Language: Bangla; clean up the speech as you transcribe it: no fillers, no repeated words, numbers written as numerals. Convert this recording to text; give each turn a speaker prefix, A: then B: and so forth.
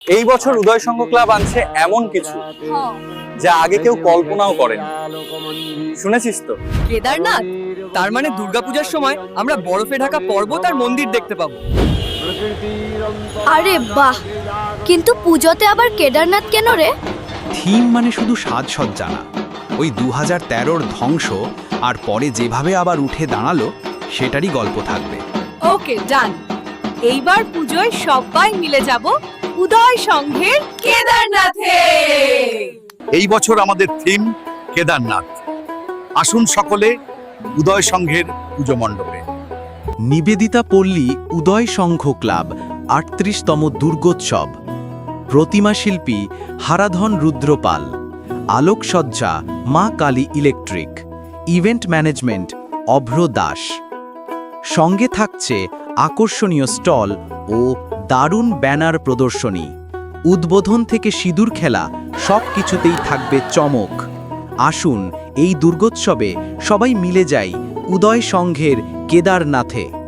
A: এই বছর উদয় সংঘ ক্লাব আনছে এমন কিছু যা আগে কেউ কল্পনাও করেনি। শুনেছিস তো?
B: কেদারনাথ, তার মানে দুর্গাপূজার সময় আমরা বরফে ঢাকা পর্বত আর মন্দির দেখতে পাবো।
C: আরে বাহ, কিন্তু পুজোতে আবার কেদারনাথ কেন রে?
D: থিম মানে শুধু সাজসজ্জা না, ওই 2013-র ধ্বংস আর পরে যেভাবে আবার উঠে দাঁড়ালো সেটারই গল্প থাকবে।
E: ওকে, ডান। এইবার পুজোয় সবাই মিলে যাব উদয় সংঘের কেদারনাথে।
F: এই বছর আমাদের থিম কেদারনাথ। আসুন সকলে উদয় সংঘের পুজো মণ্ডপে।
D: নিবেদিতা পল্লী উদয় সংঘ ক্লাব ৩৮তম দুর্গোৎসব। প্রতিমা শিল্পী হারাধন রুদ্রপাল। আলোকসজ্জা Ma Kali electric. Event management Abhra Das. সঙ্গে থাকছে আকর্ষণীয় স্টল ও দারুণ ব্যানার প্রদর্শনী। উদ্বোধন থেকে সিঁদুর খেলা সব কিছুতেই থাকবে চমক। আসুন এই দুর্গোৎসবে সবাই মিলে যাই উদয় সংঘের কেদারনাথে।